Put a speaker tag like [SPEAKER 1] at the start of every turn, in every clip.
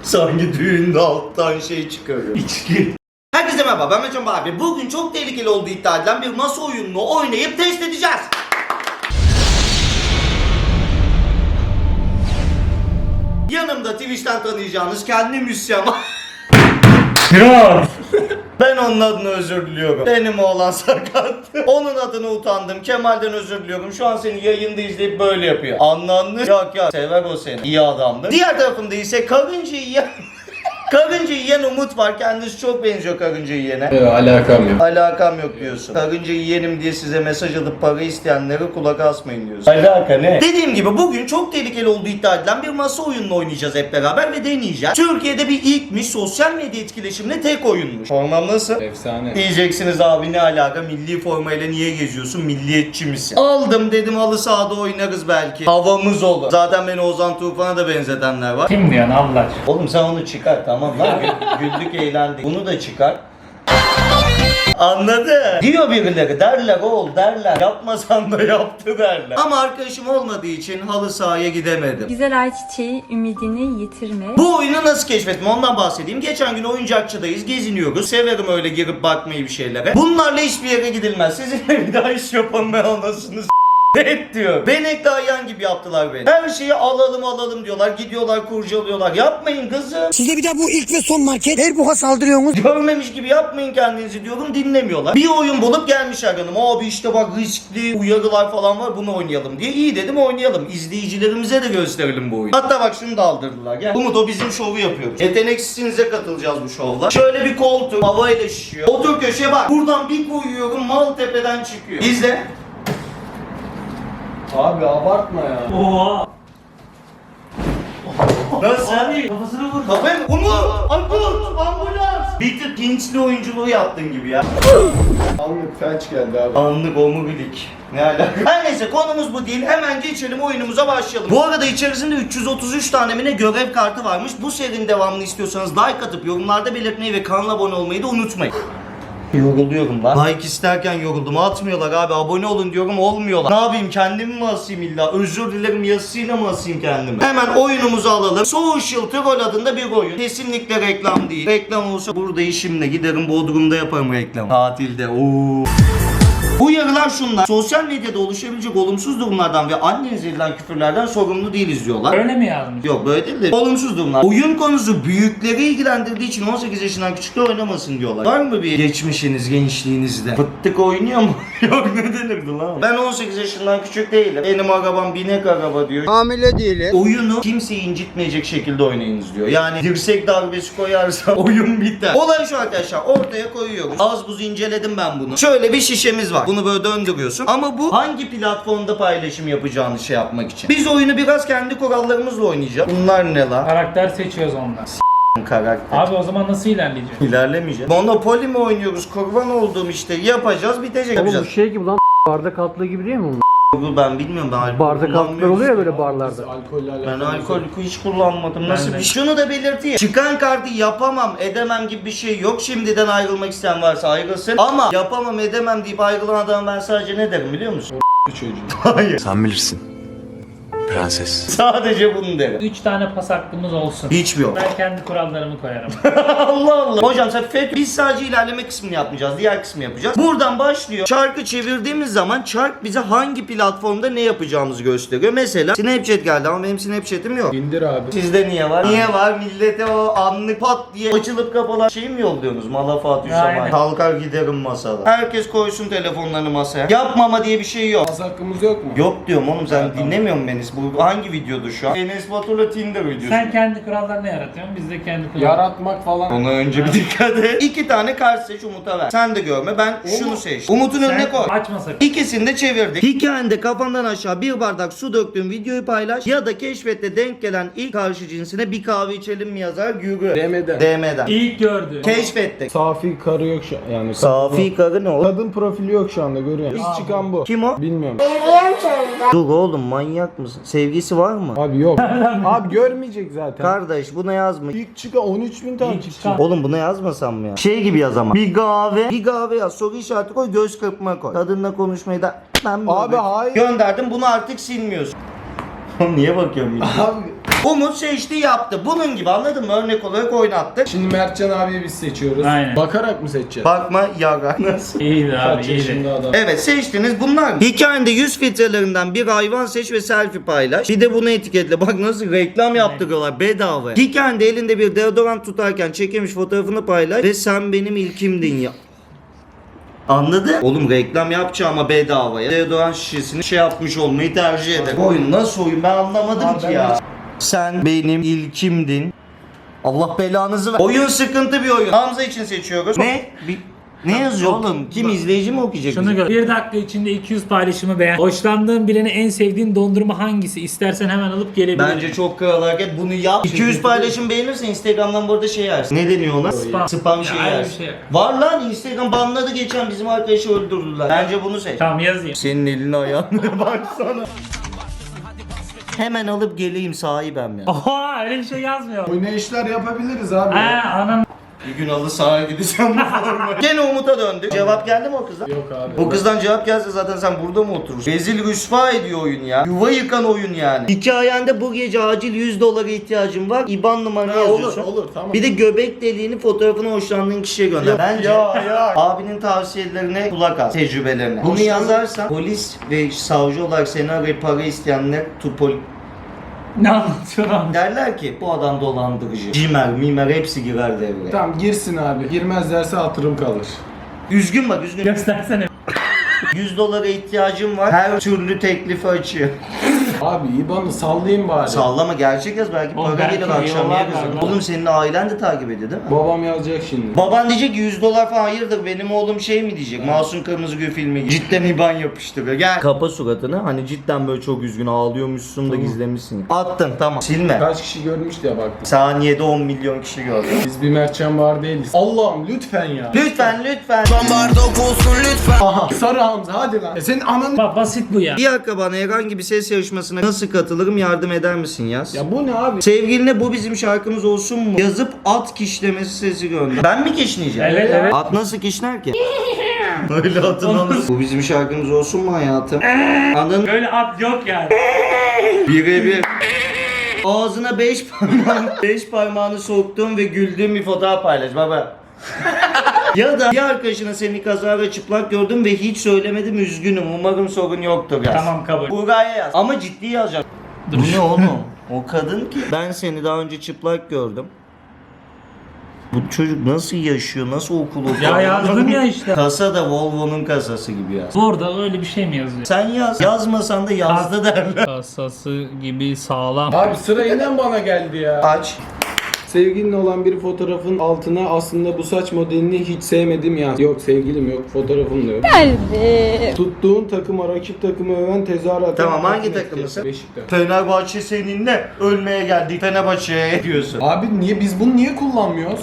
[SPEAKER 1] Sanki düğünde alttan şey çıkarıyor. İçki. Herkese merhaba, ben Mecan abi. Bugün çok tehlikeli olduğu iddia edilen bir masa oyununu oynayıp test edeceğiz. Yanımda Twitch'ten tanıyacağınız kendi müsyan. Ben onun adına özür diliyorum. Benim oğlan sakat. Onun adına utandım. Kemal'den özür diliyorum. Şu an seni yayında izleyip böyle yapıyor. Anlandı. Yok ya, sever o seni. İyi adamdır. Diğer tarafımda ise karınca yiyen... Karınca yiyen Umut var. Kendisi çok benziyor karınca yiyene.
[SPEAKER 2] Alakam yok.
[SPEAKER 1] Alakam yok diyorsun. Karınca yiyenim diye size mesaj atıp para isteyenlere kulak asmayın diyorsun. Alaka ne? Dediğim gibi bugün çok tehlikeli olduğu iddia edilen bir masa oyununu oynayacağız hep beraber ve deneyeceğiz. Türkiye'de bir ilkmiş, sosyal medya etkileşimli tek oyunmuş. Formam nasıl?
[SPEAKER 2] Efsane.
[SPEAKER 1] Diyeceksiniz abi ne alaka, milli formayla niye geziyorsun, milliyetçi misin? Aldım dedim, halı sahada oynarız belki. Havamız olur. Zaten beni Ozan Tufan'a da benzetenler var.
[SPEAKER 3] Kim diyorsun Allah aşkına?
[SPEAKER 1] Oğlum sen onu çıkar tamam lan. Güldük eğlendik. Bunu da çıkar. Anladı. Diyor birileri, derler oğul derler. Yapmasan da yaptı derler. Ama arkadaşım olmadığı için halı sahaya gidemedim.
[SPEAKER 4] Güzel ayçiçeği ümidini yitirme.
[SPEAKER 1] Bu oyunu nasıl keşfettim ondan bahsedeyim. Geçen gün oyuncakçıdayız, geziniyoruz. Severim öyle girip bakmayı bir şeylere. Bunlarla hiçbir yere gidilmez. Sizinle bir daha iş yapalım ben anasını et diyor. Benekli ayağın gibi yaptılar beni. Her şeyi alalım diyorlar. Gidiyorlar kurcalıyorlar. Yapmayın kızım.
[SPEAKER 5] Size bir de bu ilk ve son market. Her buha saldırıyorsunuz.
[SPEAKER 1] Görmemiş gibi yapmayın kendinizi diyorum, dinlemiyorlar. Bir oyun bulup gelmişler yanıma. Abi işte bak riskli uyarılar falan var, bunu oynayalım diye. İyi dedim, oynayalım. İzleyicilerimize de gösterelim bu oyunu. Hatta bak şunu da aldırdılar. Gel. Umut, o bizim şovu yapıyoruz. Yeteneksizinize katılacağız bu şovla. Şöyle bir koltuk havayla şişiyor. Otur köşeye bak. Buradan bir koyuyorum, Maltepe'den çıkıyor. İzle.
[SPEAKER 2] Abi abartma ya.
[SPEAKER 3] Oha!
[SPEAKER 1] Nasıl?
[SPEAKER 3] Abi kafasını vur.
[SPEAKER 1] Kafayı mı? Umut! Ambulans! Bir tık Hintli oyunculuğu yaptın gibi ya.
[SPEAKER 2] Anlık felç geldi abi.
[SPEAKER 1] Anlık omurilik. Ne alaka? Her neyse konumuz bu değil. Hemen geçelim oyunumuza başlayalım. Bu arada içerisinde 333 tane mi ne görev kartı varmış. Bu serinin devamını istiyorsanız like atıp yorumlarda belirtmeyi ve kanala abone olmayı da unutmayın. Yoruluyorum lan. Like isterken yoruldum. Atmıyorlar abi. Abone olun diyorum, olmuyorlar. Ne yapayım, kendimi mi asayım illa? Özür dilerim yazısıyla mı asayım kendimi? Hemen oyunumuzu alalım. Social Troll adında bir oyun. Kesinlikle reklam değil. Reklam olsa burada işimle giderim Bodrum'da yaparım reklam. Tatilde. Oo. Uyarılar şunlar. Sosyal medyada oluşabilecek olumsuz durumlardan ve annenize edilen küfürlerden sorumlu değiliz diyorlar.
[SPEAKER 3] Öyle mi yazmış?
[SPEAKER 1] Yok böyle değil de olumsuz durumlar. Oyun konusu büyükleri ilgilendirdiği için 18 yaşından küçükler oynamasın diyorlar. Var mı bir geçmişiniz gençliğinizde? Fıttık oynuyor mu? Yok ne denirdi lan? Ben 18 yaşından küçük değilim. Benim arabam binek araba diyor.
[SPEAKER 5] Hamile değiliz.
[SPEAKER 1] Oyunu kimseyi incitmeyecek şekilde oynayınız diyor. Yani dirsek darbesi koyarsa oyun biter. Olay şu arkadaşlar, ortaya koyuyoruz. Az buz inceledim ben bunu. Şöyle bir şişemiz var. Bunu böyle döndürüyorsun. Ama bu hangi platformda paylaşım yapacağını şey yapmak için. Biz oyunu biraz kendi kurallarımızla oynayacağız. Bunlar ne lan?
[SPEAKER 3] Karakter seçiyoruz ondan.
[SPEAKER 1] Karakter.
[SPEAKER 3] Abi o zaman nasıl ilerleyeceğiz?
[SPEAKER 1] İlerlemeyeceğiz. Monopoly mi oynuyoruz? Kurban olduğum işte. Yapacağız, bitecek.
[SPEAKER 6] Oğlum bu
[SPEAKER 1] Yapacağız.
[SPEAKER 6] şey gibi lan bardak altlığı gibi değil mi bunlar?
[SPEAKER 1] Ben bilmiyorum, ben alkol
[SPEAKER 6] Bardak altlıklar
[SPEAKER 1] kullanmıyorum.
[SPEAKER 6] oluyor ya böyle barlarda.
[SPEAKER 2] Alkolle
[SPEAKER 1] Ben
[SPEAKER 2] alakalı.
[SPEAKER 1] alkol hiç kullanmadım. Nasıl
[SPEAKER 3] de.
[SPEAKER 1] bir şey? Şunu da belirteyim. Çıkan kartı yapamam, edemem gibi bir şey yok. Şimdiden ayrılmak isteyen varsa ayrılsın. Ama yapamam, edemem deyip ayrılan adama ben sadece ne derim biliyor musun?
[SPEAKER 2] Çocuğu.
[SPEAKER 1] Hayır.
[SPEAKER 7] Sen bilirsin. Prenses.
[SPEAKER 1] Sadece bunu derim.
[SPEAKER 3] 3 tane pas hakkımız olsun.
[SPEAKER 1] Hiçbir yok.
[SPEAKER 3] Ben kendi kurallarımı koyarım.
[SPEAKER 1] Allah Allah. Hocam sen FETÖ. Biz sadece ilerleme kısmını yapmayacağız. Diğer kısmı yapacağız. Buradan başlıyor. Çarkı çevirdiğimiz zaman çark bize hangi platformda ne yapacağımızı gösteriyor. Mesela Snapchat geldi ama benim Snapchat'im yok.
[SPEAKER 2] İndir abi.
[SPEAKER 1] Sizde niye var? Niye var? Millete o anlık pat diye açılıp kapalan şey mi yolluyorsunuz? Malafat
[SPEAKER 3] Aynen.
[SPEAKER 1] Hüsaman. Kalkar giderim masada. Herkes koysun telefonlarını masaya. Yapmama diye bir şey yok.
[SPEAKER 2] Az hakkımız yok mu?
[SPEAKER 1] Yok diyorum oğlum, sen
[SPEAKER 2] Evet,
[SPEAKER 1] dinlemiyor musun beni? Bu hangi videodu şu an? Enes Batur'la Tinder videosu.
[SPEAKER 3] Sen kendi kurallarını yaratıyorsun, biz de kendi kurallarını.
[SPEAKER 2] Yaratmak falan.
[SPEAKER 1] Ona önce bir dikkat et. 2 tane kart seç, Umut'a ver. Sen de görme, ben şunu seçtim. Umut'un önüne koy.
[SPEAKER 3] Açma sakın.
[SPEAKER 1] İkisini de çevirdik. Hikayende kafandan aşağı bir bardak su döktüğün videoyu paylaş ya da keşfette denk gelen ilk karşı cinsine bir kahve içelim mi yazar yürü.
[SPEAKER 2] DM'den.
[SPEAKER 1] DM'den.
[SPEAKER 3] İlk gördü.
[SPEAKER 1] Keşfettik.
[SPEAKER 2] Safi karı yok şu an. Yani
[SPEAKER 1] Safi karı ne oğlum?
[SPEAKER 2] kadın profili yok şu anda görüyorum. İlk çıkan bu.
[SPEAKER 1] Kim o?
[SPEAKER 2] Bilmiyorum.
[SPEAKER 1] Dur oğlum, manyak mısın? Sevgisi var mı?
[SPEAKER 2] Abi yok. Abi görmeyecek zaten.
[SPEAKER 1] Kardeş buna yazma.
[SPEAKER 2] İlk çıkan 13.000 takipçi.
[SPEAKER 1] Oğlum buna yazmasam mı ya? Şey gibi yaz ama. Bir kahve yaz. Soru işareti koy, göz kırpma koy. Kadınla konuşmayı da ben
[SPEAKER 2] Abi hayır.
[SPEAKER 1] gönderdim, bunu artık silmiyorsun. Niye bakıyorum yine?
[SPEAKER 2] Abi
[SPEAKER 1] Umut seçti yaptı. Bunun gibi anladın mı? Örnek olarak oynattık.
[SPEAKER 2] Şimdi Mertcan abiye biz seçiyoruz.
[SPEAKER 3] Aynen.
[SPEAKER 2] Bakarak mı seçeceğiz?
[SPEAKER 1] Bakma yaga. Nasıl?
[SPEAKER 3] İyiydi abi
[SPEAKER 2] Kaç
[SPEAKER 3] iyiydi.
[SPEAKER 2] yaşında adam?
[SPEAKER 1] Evet seçtiniz bunlar mı? Hikayende 100 filtrelerinden bir hayvan seç ve selfie paylaş. Bir de bunu etiketle. Bak nasıl reklam yaptırıyorlar bedava. Hikayende elinde bir deodorant tutarken çekilmiş fotoğrafını paylaş ve sen benim ilkimdin ya. Anladın? Oğlum reklam yapacağıma bedavaya deodorant şişesini şey yapmış olmayı tercih ederim. Oyun nasıl oyun ben anlamadım ki ya. Sen benim ilkimdin. Allah belanızı ver. Oyun sıkıntı bir oyun. Hamza için seçiyoruz. Ne yazıyor oğlum? Kim izleyici mi okuyacak?
[SPEAKER 3] Şunu
[SPEAKER 1] bizi?
[SPEAKER 3] gör. 1 dakika içinde 200 paylaşımı beğen. Hoşlandığın birine en sevdiğin dondurma hangisi? İstersen hemen alıp gelebilirim.
[SPEAKER 1] Bence çok kral hareket. Bunu yap. 200 paylaşım beğenirsen Instagram'dan bu arada şey yersin. Ne deniyor ona? Spam şey
[SPEAKER 3] Ya, öyle
[SPEAKER 1] yersin.
[SPEAKER 3] bir şey yok.
[SPEAKER 1] Var lan Instagram banladı geçen bizim arkadaşı öldürdüler. Bence bunu seç.
[SPEAKER 3] Tamam yazayım.
[SPEAKER 1] Senin elini ayağına baksana. Hemen alıp geleyim sahibem ya.
[SPEAKER 3] Oha öyle bir şey yazmıyor.
[SPEAKER 2] Oynayışlar yapabiliriz abi.
[SPEAKER 3] Anam.
[SPEAKER 1] Bir gün halı sahaya gideceğim bu formayı. Gene Umut'a döndük. Cevap geldi mi o kızdan?
[SPEAKER 2] Yok abi.
[SPEAKER 1] O kızdan cevap gelse zaten sen burada mı oturursun? Rezil rüsva ediyor oyun ya. Yuva yıkan oyun yani. Hikayende bu gece acil 100 dolara ihtiyacım var. İban numaranı yazıyorsun.
[SPEAKER 2] Olur tamam.
[SPEAKER 1] Bir de göbek deliğini fotoğrafını hoşlandığın kişiye gönder. Bence abinin tavsiyelerine kulak as, tecrübelerine. Bunu yazarsan polis ve savcı olarak seni arayıp para isteyenler
[SPEAKER 3] Ne anlatıyorsun?
[SPEAKER 1] derler ki bu adam dolandırıcı. Cimer, mimer hepsi girer devreye.
[SPEAKER 2] Tamam girsin abi. Girmezlerse hatırım kalır.
[SPEAKER 1] Üzgün bak üzgün.
[SPEAKER 3] Göstersene.
[SPEAKER 1] 100 dolara ihtiyacım var. Her türlü teklifi açıyor.
[SPEAKER 2] Abi IBAN'ı sallayayım bari.
[SPEAKER 1] Sallama gerçek yaz belki
[SPEAKER 3] Oğlum
[SPEAKER 1] para
[SPEAKER 3] belki
[SPEAKER 1] gelir akşam
[SPEAKER 3] yollar
[SPEAKER 1] yeriz.
[SPEAKER 3] var lan.
[SPEAKER 1] Oğlum senin ailen de takip ediyor değil mi?
[SPEAKER 2] Babam yazacak şimdi.
[SPEAKER 1] Baban diyecek ki 100 dolar falan hayırdır benim oğlum şey mi diyecek? Masum Kırmızıgül filmi gibi. Cidden IBAN yapıştırıyor. Gel. Kapa suratını hani cidden böyle çok üzgün ağlıyormuşsun da gizlemişsin. Attın tamam. Silme.
[SPEAKER 2] Kaç kişi görmüş diye baktım.
[SPEAKER 1] Saniyede 10 milyon kişi gördü.
[SPEAKER 2] Biz bir Mertcan var değiliz. Allah'ım lütfen ya.
[SPEAKER 1] Lütfen lütfen.
[SPEAKER 2] Aha sarı Hamza hadi lan. Senin ananı...
[SPEAKER 3] Bak basit bu ya.
[SPEAKER 1] Bir akrabana herhangi bir ses yarışmasına nasıl katılırım yardım eder misin yaz.
[SPEAKER 2] Ya bu ne abi?
[SPEAKER 1] Sevgiline bu bizim şarkımız olsun mu? Yazıp at kişlemesi sesi gönder. Ben mi kişneyeceğim?
[SPEAKER 3] Evet.
[SPEAKER 1] At nasıl kişner ki? Öyle atın alır. Bu bizim şarkımız olsun mu hayatım? Anladın?
[SPEAKER 3] Böyle at yok yani.
[SPEAKER 1] Birebir. Ağzına 5 parmağını soktuğum ve güldüğüm bir fotoğraf paylaş baba. Ya da bir arkadaşına seni kazara çıplak gördüm ve hiç söylemedim üzgünüm. Umarım sorun yoktur yaz.
[SPEAKER 3] Tamam kabul.
[SPEAKER 1] Buraya yaz. Ama ciddi yazacağım. Bu ne oğlum? O kadın ki. Ben seni daha önce çıplak gördüm. Bu çocuk nasıl yaşıyor? Nasıl okul okuyor?
[SPEAKER 3] Ya yazdım ya işte.
[SPEAKER 1] Kasa da Volvo'nun kasası gibi yaz.
[SPEAKER 3] Burada öyle bir şey mi yazıyor?
[SPEAKER 1] Sen yaz. Yazmasan da yazdı derler.
[SPEAKER 3] Kasası gibi sağlam.
[SPEAKER 2] Abi sıra yine bana geldi ya.
[SPEAKER 1] Aç.
[SPEAKER 2] Sevgilin olan bir fotoğrafın altına aslında bu saç modelini hiç sevmedim yaz. Yok sevgilim yok, fotoğrafım da yok. Tuttuğun takıma rakip takımı öven tezahürat.
[SPEAKER 1] Tamam, hangi takımlısın?
[SPEAKER 2] Beşiktaş.
[SPEAKER 1] Fenerbahçe seninle ölmeye geldik. Fenerbahçe'ye diyorsun.
[SPEAKER 2] Abi biz bunu niye kullanmıyoruz?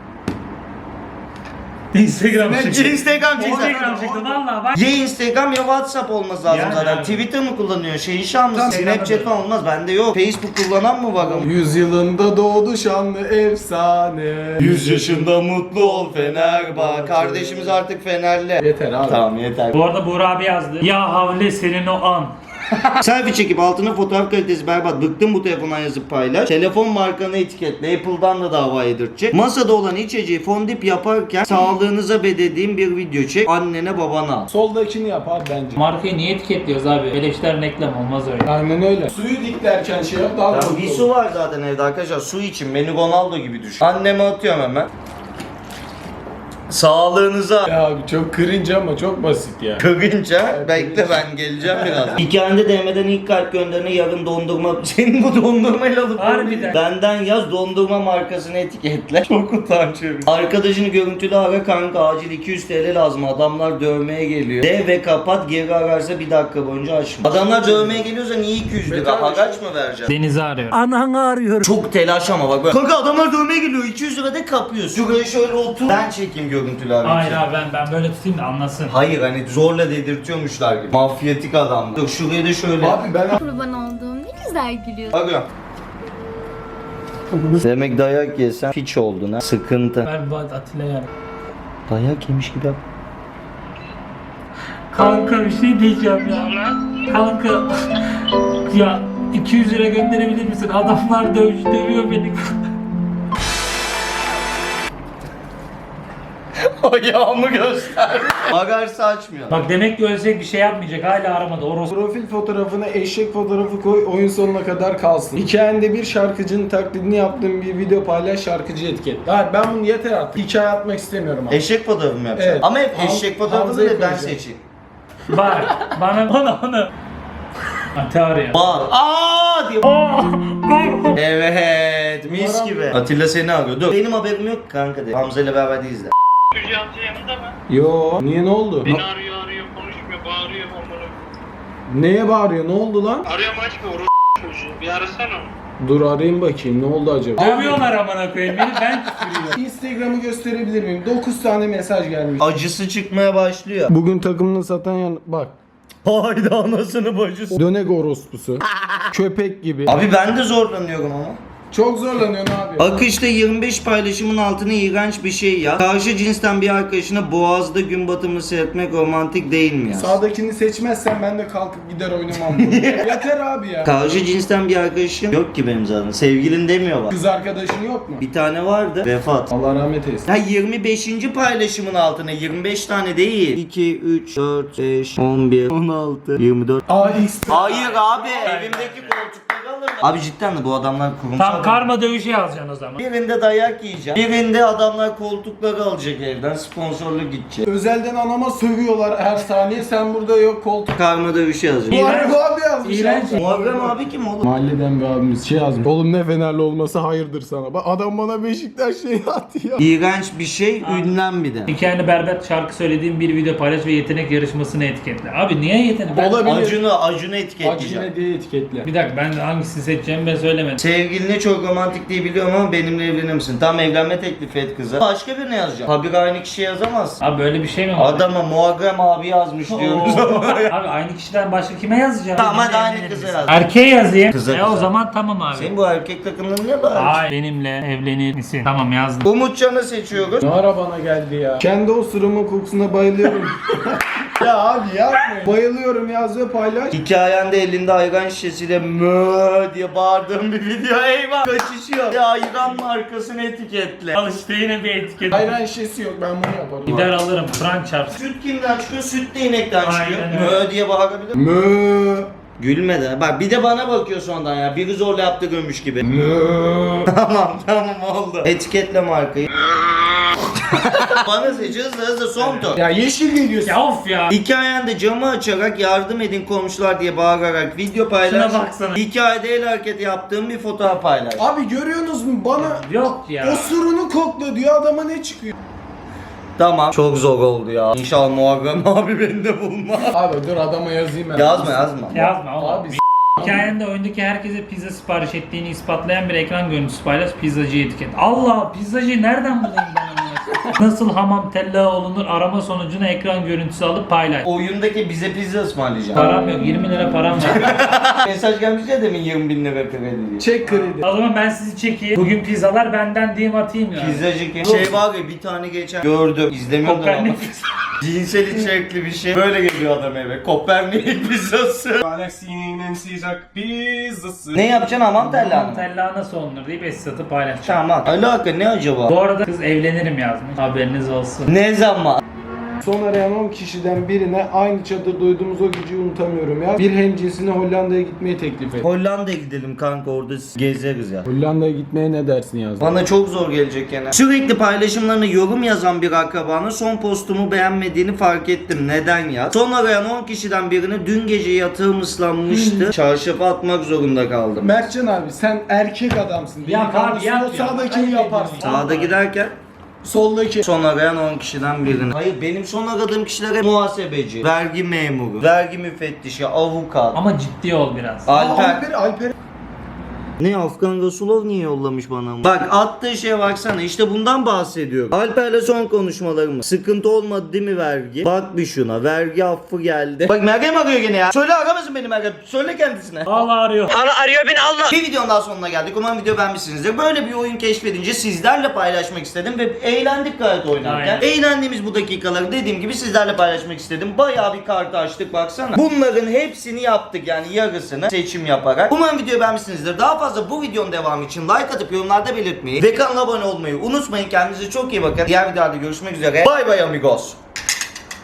[SPEAKER 3] Instagram çıktı.
[SPEAKER 1] Instagram
[SPEAKER 3] Instagram
[SPEAKER 1] çıktı.
[SPEAKER 3] çıktı valla bak.
[SPEAKER 1] Ya Instagram ya WhatsApp olması lazım
[SPEAKER 3] Yani
[SPEAKER 1] zaten.
[SPEAKER 3] abi.
[SPEAKER 1] Twitter mı kullanıyor? Şan mısın?
[SPEAKER 3] Tamam,
[SPEAKER 1] Snapchat
[SPEAKER 3] Instagram'da
[SPEAKER 1] falan olmaz. Bende yok. Facebook kullanan mı var?
[SPEAKER 2] 100 yılında doğdu şanlı efsane.
[SPEAKER 1] 100 yaşında mutlu ol Fenerbahçe. Kardeşimiz artık Fenerli.
[SPEAKER 2] Yeter abi.
[SPEAKER 1] Tamam yeter.
[SPEAKER 3] Bu arada Buğra abi yazdı. Ya havle senin o an.
[SPEAKER 1] Selfie çekip altına fotoğraf kalitesi berbat. Bıktım bu telefondan yazıp paylaş. Telefon markanı etiketle. Apple'dan da dava yedirtecek. Masada olan içeceği fondip yaparken sağlığınıza bedediğim bir video çek. Annene babana al.
[SPEAKER 2] Soldakini yap abi bence.
[SPEAKER 3] Markayı niye etiketliyoruz abi? Beleşler reklam olmaz öyle.
[SPEAKER 2] Aynen öyle. Suyu diklerken şey yap daha
[SPEAKER 1] Ya
[SPEAKER 2] mutlu
[SPEAKER 1] bir
[SPEAKER 2] ol.
[SPEAKER 1] su var zaten evde arkadaşlar. Su için. Beni Ronaldo gibi düşün. Anneme atıyorum hemen. Sağlığınıza.
[SPEAKER 2] Ya abi çok cringe ama çok basit ya.
[SPEAKER 1] Kırınca bekle ben geleceğim biraz. Hikayende DM'den ilk kalp gönderene yarın dondurma. Senin bu dondurmayla alıp
[SPEAKER 3] Harbiden.
[SPEAKER 1] benden yaz dondurma markasını etiketle. Çok utanç verici. Arkadaşını görüntülü ara kanka acil 200 TL lazım. Adamlar dövmeye geliyor. De ve kapat geri ararsa bir dakika boyunca açma. Adamlar dövmeye geliyorsa niye 200 lira? Haraç mı vereceğim?
[SPEAKER 3] Deniz'i arıyorum.
[SPEAKER 5] Ananı arıyorum.
[SPEAKER 1] Çok telaş ama bak böyle. Kanka adamlar dövmeye geliyor 200 lira da kapıyorsun. Şuraya şöyle otur. Ben çekeyim görüntülü arayı.
[SPEAKER 3] Hayır abi ben böyle tutayım da anlasın.
[SPEAKER 1] Hayır hani zorla dedirtiyormuşlar gibi. Mafyatik adam. Dur şuraya da şöyle.
[SPEAKER 2] Abi ben
[SPEAKER 8] Kurban olduğum ne güzel gülüyorsun.
[SPEAKER 1] Arıyorum. Demek dayak yesen piç oldun ha. Sıkıntı.
[SPEAKER 3] Ver bu Atilla'ya.
[SPEAKER 1] Dayak yemiş gibi yap.
[SPEAKER 3] Kanka bir şey diyeceğim ya. Kanka. Ya 200 lira gönderebilir misin? Adamlar dövüyor beni.
[SPEAKER 1] Ayağımı göster. Bagajsa açmıyor.
[SPEAKER 3] Bak demek ki ölecek bir şey yapmayacak. Hala aramadı. Orospu.
[SPEAKER 2] Profil fotoğrafına eşek fotoğrafı koy, oyun sonuna kadar kalsın. Hikayende bir şarkıcının taklidini yaptığın bir video paylaş, şarkıcı etiket. Hayır, ben bunu yeter artık. Hikaye atmak istemiyorum abi.
[SPEAKER 1] Eşek fotoğrafı mı yapacaksın?
[SPEAKER 2] Evet.
[SPEAKER 1] Ama hep eşek fotoğrafını
[SPEAKER 2] Hamza'yı
[SPEAKER 1] da ben
[SPEAKER 2] koyacağım.
[SPEAKER 1] seçeyim.
[SPEAKER 3] Bak bana onu. Ate arıyor.
[SPEAKER 1] Bağır. Aa diye.
[SPEAKER 3] Aa,
[SPEAKER 1] Evet, mis gibi. Atilla seni arıyor. Dur. Benim haberim yok kanka de. Hamza ile beraber değiliz de.
[SPEAKER 9] Hücre amca yanında mı?
[SPEAKER 2] Yo, niye ne oldu?
[SPEAKER 9] Beni arıyor konuşmuyor bağırıyor onları.
[SPEAKER 2] Neye bağırıyor? Ne oldu lan?
[SPEAKER 9] Arıyorum açmıyor çocuğu. Bir arasana onu.
[SPEAKER 2] Dur arayayım bakayım, ne oldu acaba?
[SPEAKER 3] Dövüyorlar amına koyayım. Beni ben küfürüyorum.
[SPEAKER 2] Instagram'ı gösterebilir miyim? 9 tane mesaj gelmiş.
[SPEAKER 1] Acısı çıkmaya başlıyor.
[SPEAKER 2] Bugün takımını satan yan... Bak.
[SPEAKER 1] Hayda anasını bacısı.
[SPEAKER 2] Dönek orospusu. Köpek gibi.
[SPEAKER 1] Abi ben de zorlanıyorum ama.
[SPEAKER 2] Çok zorlanıyorsun abi.
[SPEAKER 1] Akışta 25 paylaşımın altına iğrenç bir şey ya. Karşı cinsten bir arkadaşına boğazda gün batımını seyretmek romantik değil mi ya?
[SPEAKER 2] Sağdakini seçmezsen ben de kalkıp gider oynamam bunu. Yeter abi ya.
[SPEAKER 1] Karşı cinsten bir arkadaşım yok ki benim zaten. Sevgilin demiyor bak.
[SPEAKER 2] Kız arkadaşın yok mu?
[SPEAKER 1] Bir tane vardı. Vefat.
[SPEAKER 2] Allah rahmet eylesin.
[SPEAKER 1] Ha 25. paylaşımın altına 25 tane değil. 2, 3, 4, 5, 11, 16, 24.
[SPEAKER 2] AX.
[SPEAKER 1] Hayır abi. Evimdeki koltukları alırım. Abi cidden de bu adamlar kurumsal.
[SPEAKER 3] Tam karma dövüşü yazacaksın o zaman.
[SPEAKER 1] Birinde dayak yiyeceğim. Birinde adamlar koltukları alacak evden. Sponsorluk gidecek.
[SPEAKER 2] Özelden anama sövüyorlar her saniye. Sen burada yok koltuk.
[SPEAKER 1] Karma dövüşü yazacak.
[SPEAKER 2] Muharrem abi yazmış.
[SPEAKER 3] İğrenç.
[SPEAKER 1] Muharrem abi kim oğlum?
[SPEAKER 2] Mahalleden bir abimiz şey yazmış. Oğlum ne Fenerli olması hayırdır sana. Bak adam bana Beşiktaş şey attı ya.
[SPEAKER 1] İğrenç bir şey, ünlem bir de.
[SPEAKER 3] Hikayeni berbat şarkı söylediğin bir video paylaş ve yetenek yarışmasını etiketle. Abi niye yetenek?
[SPEAKER 2] Olabilir.
[SPEAKER 1] Acunu etiketleyeceğim.
[SPEAKER 2] Acine diye etiketle.
[SPEAKER 3] Bir dakika ben hangisini seçeceğimi ben söylemedim.
[SPEAKER 1] Sevgiline çok romantik diye biliyorum ama benimle evlenir misin? Tam evlenme teklifi et kıza. Başka birine yazacağım. Habire aynı kişi yazamaz.
[SPEAKER 3] Abi böyle bir şey mi var?
[SPEAKER 1] Adama Muharrem abi yazmış diyoruz.
[SPEAKER 3] Abi aynı kişiden başka kime yazacağım?
[SPEAKER 1] Tamam, hadi
[SPEAKER 3] Benimle
[SPEAKER 1] aynı
[SPEAKER 3] evlenir
[SPEAKER 1] kıza
[SPEAKER 3] misin?
[SPEAKER 1] yaz.
[SPEAKER 3] Erkeğe yazayım.
[SPEAKER 1] Kıza
[SPEAKER 3] O
[SPEAKER 1] kıza.
[SPEAKER 3] zaman tamam abi.
[SPEAKER 1] Senin bu erkek takımların ne var?
[SPEAKER 3] Ay benimle evlenir misin? Tamam yazdım.
[SPEAKER 1] Umutcan'ı seçiyoruz.
[SPEAKER 2] Ne ara bana geldi ya. Kendi osurumun kokusuna bayılıyorum. ya abi yapma. Bayılıyorum yaz ve paylaş.
[SPEAKER 1] Hikayende elinde ayran şişesiyle mö diye bağırdığım bir video. Eyvah kaçışıyor. Ya ayran markasını etiketle.
[SPEAKER 3] Al işte yine bir etiket.
[SPEAKER 2] Ayran şişesi yok, ben bunu yaparım.
[SPEAKER 3] Gider alırım. Frank çarpsın.
[SPEAKER 1] Süt kimden çıkıyor? Süt de inekten çıkıyor.
[SPEAKER 3] Aynen öyle.
[SPEAKER 1] Mö diye bağırabilir miyim?
[SPEAKER 2] Mö.
[SPEAKER 1] Gülme de. Bak bir de bana bakıyor sonradan ya. Biri zorla yaptı gömmüş gibi. tamam oldu. Etiketle markayı. Bana seç hızlı son tur.
[SPEAKER 2] Ya yeşil geliyorsun.
[SPEAKER 3] Ya of ya.
[SPEAKER 1] Hikayende camı açarak yardım edin komşular diye bağırarak video paylaş.
[SPEAKER 3] Şuna baksana.
[SPEAKER 1] Hikayede el hareketi yaptığım bir fotoğraf paylaş.
[SPEAKER 2] Abi görüyorsunuz mu bana
[SPEAKER 3] Yok ya.
[SPEAKER 2] osurunu kokla diyor, adama ne çıkıyor?
[SPEAKER 1] Tamam. Çok zor oldu ya. İnşallah Muharrem abi beni de bulmaz.
[SPEAKER 2] Abi dur adama yazayım ben.
[SPEAKER 1] Yazma.
[SPEAKER 3] Yazma oğlum.
[SPEAKER 2] Abi
[SPEAKER 3] Hikayende oyundaki herkese pizza sipariş ettiğini ispatlayan bir ekran görüntüsü paylaş, pizzacıyı etiket. Allah, pizzacıyı nereden bulayım ben onu? Nasıl hamam tella olunur arama sonucunu ekran görüntüsü alıp paylaş.
[SPEAKER 1] Oyundaki bize pizza ısmarlayacağım.
[SPEAKER 3] Param yok, 20 lira param var.
[SPEAKER 1] Mesaj gelmiş ya demin 20.000 lira kredi diye.
[SPEAKER 2] çek kredi.
[SPEAKER 3] O zaman ben sizi çekeyim. Bugün pizzalar benden diyeyim atayım ya.
[SPEAKER 1] Pizzacı kim? Şey var ya bir tane geçen gördüm. İzlemiyordum ama.
[SPEAKER 3] Kopernik.
[SPEAKER 1] Cinsel içerikli bir şey. Böyle geliyor adam eve. Kopernik pizzası.
[SPEAKER 9] Galaksinin en sıcak pizzası.
[SPEAKER 1] Ne yapacaksın hamam tella
[SPEAKER 3] Hamam
[SPEAKER 1] mı?
[SPEAKER 3] tella nasıl olunur deyip Esat'ı paylaşacağım.
[SPEAKER 1] Tamam. Alaka ne acaba?
[SPEAKER 3] Bu arada kız evlenirim yazmış. Haberiniz olsun.
[SPEAKER 1] Ne zaman?
[SPEAKER 2] Son arayan 10 kişiden birine aynı çadırda uyuduğumuz o geceyi unutamıyorum ya. Bir hemcinsine Hollanda'ya gitmeyi teklif et.
[SPEAKER 1] Hollanda'ya gidelim kanka orada gezeriz ya.
[SPEAKER 2] Hollanda'ya gitmeye ne dersin yazdı.
[SPEAKER 1] Bana çok zor gelecek yani. Sürekli paylaşımlarına yorum yazan bir akrabanın son postumu beğenmediğini fark ettim. Neden ya? Son arayan 10 kişiden birine dün gece yatağım ıslanmıştı. Çarşafa atmak zorunda kaldım.
[SPEAKER 2] Mertcan abi sen erkek adamsın.
[SPEAKER 3] Yap abi, yap
[SPEAKER 2] O
[SPEAKER 3] ya.
[SPEAKER 2] sağdakini
[SPEAKER 3] Ayıp
[SPEAKER 2] yaparsın.
[SPEAKER 3] ediyorsun
[SPEAKER 1] Sağda giderken
[SPEAKER 2] Soldaki.
[SPEAKER 1] son arayan 10 kişiden birine. Hayır benim son aradığım kişiler hep muhasebeci, vergi memuru, vergi müfettişi, avukat,
[SPEAKER 3] Ama ciddi ol biraz.
[SPEAKER 1] Alper.
[SPEAKER 2] Alper.
[SPEAKER 1] Ne Afgan Rasulov niye yollamış bana? Bak attığı şeye baksana, işte bundan bahsediyorum. Alper'le son konuşmalarımız. Sıkıntı olmadı değil mi vergi? Bak bir şuna, vergi affı geldi. Bak Meryem arıyor gene ya. Söyle aramasın beni Meryem. Söyle kendisine.
[SPEAKER 3] Allah arıyor.
[SPEAKER 1] Bir videonun daha sonuna geldik. Umarım video beğenmişsinizdir. Böyle bir oyun keşfedince sizlerle paylaşmak istedim ve eğlendik gayet oynarken.
[SPEAKER 3] Aynen.
[SPEAKER 1] Eğlendiğimiz bu dakikaları dediğim gibi sizlerle paylaşmak istedim. Bayağı bir kartı açtık baksana. Bunların hepsini yaptık yani yarısını seçim yaparak. Umarım videoyu beğenmişsinizdir. Daha fazla bu videonun devamı için like atıp yorumlarda belirtmeyi ve kanala abone olmayı unutmayın. Kendinize çok iyi bakın. Diğer videolarda görüşmek üzere. Bay bay amigos.